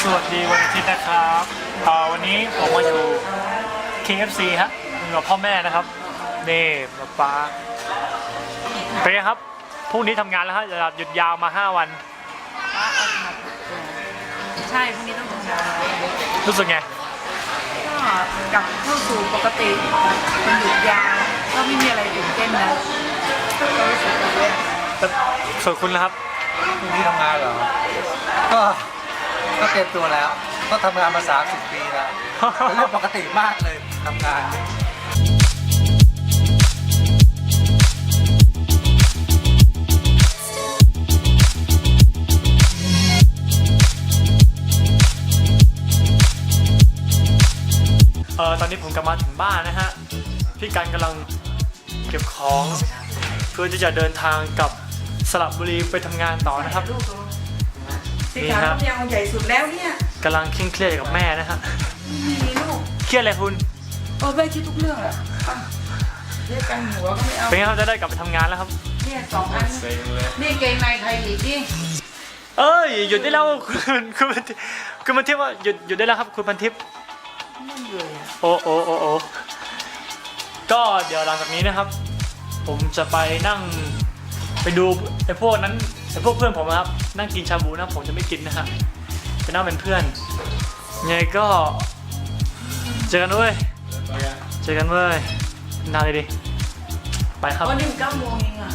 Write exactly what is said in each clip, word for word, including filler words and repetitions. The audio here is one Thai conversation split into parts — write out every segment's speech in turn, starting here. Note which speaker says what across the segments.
Speaker 1: สวัสดีวันอาทิตย์นะครับเอ่อวันนี้ผมมาอยู่ เค เอฟ ซี ฮะอยู่กับพ่อแม่นะครับนี่ป๊าป๊าเป็นไงครับพรุ่งนี้ทำงานแล้วฮะหยุดยาวมาห้าวัน
Speaker 2: ใช่พรุ่งนี้ต้องทำงาน
Speaker 1: รู้สึกไง
Speaker 2: ก็กลับเข้าสู่ปกติมันหยุดยาวก็ไม่มีอะไรตื่นเต้นนะก็รู้สึกดีเลย
Speaker 1: ส่วนคุณนะครับ
Speaker 3: พรุ่งนี้ทำงานเหรอก็ก็เตรียมตัวแล้วก็ทำงานมาสามสิบปีแล้วเป็นเรื่องปกติมากเลยทำงาน
Speaker 1: เออตอนนี้ผมกลับมาถึงบ้านนะฮะพี่กันกำลังเก็บของเพื่อที่จะเดินทางกลับสระบุรีไปทำงานต่อนะครับ
Speaker 2: นี่ครับยังใหญ่สุดแล้วเนี่ย
Speaker 1: กำลังเคร่งเครียดกับแม่นะฮะ
Speaker 2: มีลูก
Speaker 1: เครียดอะไรคุณ
Speaker 2: โอ้แม่คิดทุกเรื่องแหละเรียกกันหัวก็ไม่เอา
Speaker 1: เป็นไงครับจะได้กลับไปทำงานแล้วครับ
Speaker 2: เนี่ยสองอันนี่เกงในใครอีกนี่
Speaker 1: เอ้ยหยุดได้แล้วคุณคุณคุณพันทิพย์ว่าหยุดหยุดได้แล้วครับคุณพันทิพย์โอ้โอ้โอ้โอ้ก็เดี๋ยวหลังจากนี้นะครับผมจะไปนั่งไปดูไอ้พวกนั้นไอ้พวกเพื่อนผมนะครับนั่งกินชาบูนะผมจะไม่กินนะฮะไปนั่งเป็นเพื่อนยังไงก็เจอกันเว้ยเจอกันเว้ยนานเลยดิไปครับ
Speaker 2: วันนี้เก้าโมงเองอ่ะ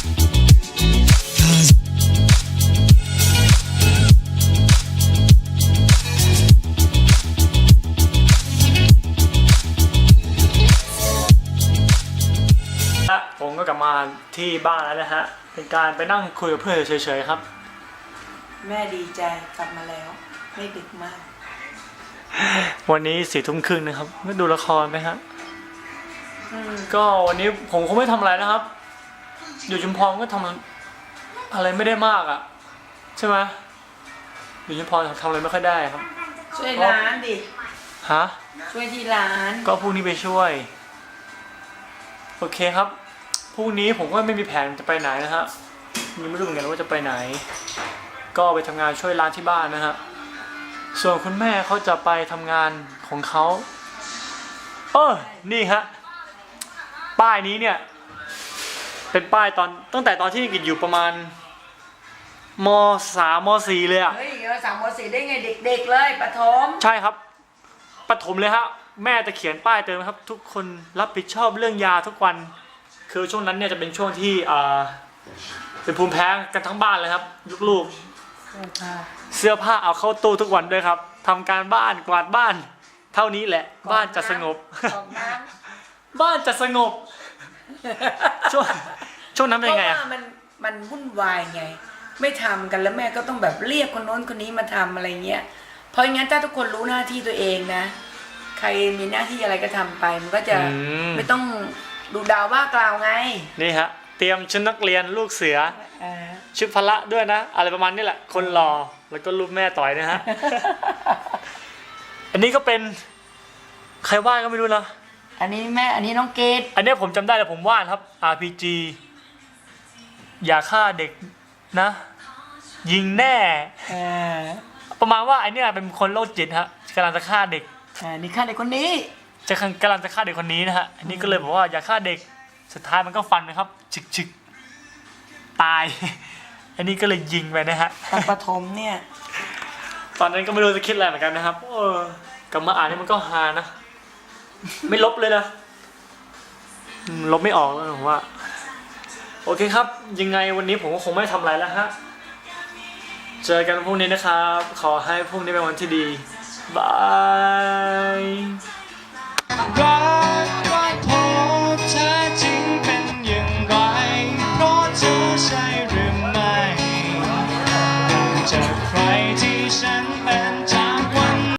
Speaker 1: ผมก็กลับมาที่บ้านแล้วนะฮะเป็นการไปนั่งคุยกับเพื่อนเฉยๆครับ
Speaker 2: แม่ดีใจกลับมาแล้วไม่ดึกมาก
Speaker 1: วันนี้สี่ทุ่มครึ่งนะครับไม่ดูละครไหมฮะก็วันนี้ผมคงไม่ทำอะไรนะครับอยู่ชุมพรก็ทำอะไรไม่ได้มากอ่ะใช่ไหมอยู่ชุมพรทำอะไรไม่ค่อยได้ครับ
Speaker 2: ช่วยร้านดิ
Speaker 1: ฮะ
Speaker 2: ช่วยที่ร้าน
Speaker 1: ก็พรุ่งนี้ไปช่วยโอเคครับพรุ่งนี้ผมก็ไม่มีแผนจะไปไหนนะฮะยังไม่รู้เหมือนกันว่าจะไปไหนก็ไปทำงานช่วยร้านที่บ้านนะฮะส่วนคุณแม่เขาจะไปทำงานของเขาเออนี่ฮะป้ายนี้เนี่ยเป็นป้ายตอนตั้งแต่ตอนที่กิจอยู่ประมาณมสามมสี่เลยอะ
Speaker 2: เฮ้ยเราสามมสี่ได้ไงเด็กๆเลยประถม
Speaker 1: ใช่ครับประถมเลยฮะแม่จะเขียนป้ายเตือนครับทุกคนรับผิดชอบเรื่องยาทุกวันคือช่วงนั้นเนี่ยจะเป็นช่วงที่อ่าเป็นภูมิแพ้กันทั้งบ้านเลยครับลูกๆเสื้อผ้าเอาเข้าตู้ทุกวันด้วยครับทำการบ้านกวาดบ้านเท่านี้แหละบ้านจะสงบบ้านจะสงบช่วงช่วงนั้นเป็นไงอ่ะ
Speaker 2: มันมันวุ่นวายไงไม่ทำกันแล้วแม่ก็ต้องแบบเรียกคนโน้นคนนี้มาทำอะไรเงี้ยเพราะงั้นถ้าทุกคนรู้หน้าที่ตัวเองนะใครมีหน้าที่อะไรก็ทำไปมันก็จะไม่ต้องดูดาวว่ากล่าวไง
Speaker 1: นี่ฮะเตรียมชุดนักเรียนลูกเสือชุดพละด้วยนะอะไรประมาณนี้แหละคนรอแล้วก็รูปแม่ต่อยนะฮะ อันนี้ก็เป็นใครวาดก็ไม่รู้นะ
Speaker 2: อันนี้แม่อันนี้น้องเกด
Speaker 1: อันนี้ผมจำได้แต่ผมวาดครับ อาร์ พี จี อย่าฆ่าเด็กนะยิงแน่ประมาณว่าไอเนี้ยเป็นคนโรคจิตฮะกำลังจะฆ่าเด็ก
Speaker 2: นี่ฆ่าเด็กคนนี้
Speaker 1: จะกำลังจะฆ่าเด็กคนนี้นะฮะอันนี้ก็เลยบอกว่าอย่าฆ่าเด็กสุดท้ายมันก็ฟันนะครับฉึกฉึกตายอันนี้ก็เลยยิงไปนะฮะ
Speaker 2: ตอนประถมเนี่ย
Speaker 1: ตอนนั้นก็ไม่รู้จะคิดอะไรเหมือนกันนะครับเออกลับมาอ่านนี่มันก็ฮานะไม่ลบเลยนะลบไม่ออกแล้วผมว่าโอเคครับยังไงวันนี้ผมก็คงไม่ทำอะไรแล้วฮะเจอกันพรุ่งนี้นะครับขอให้พรุ่งนี้เป็นวันที่ดีบาย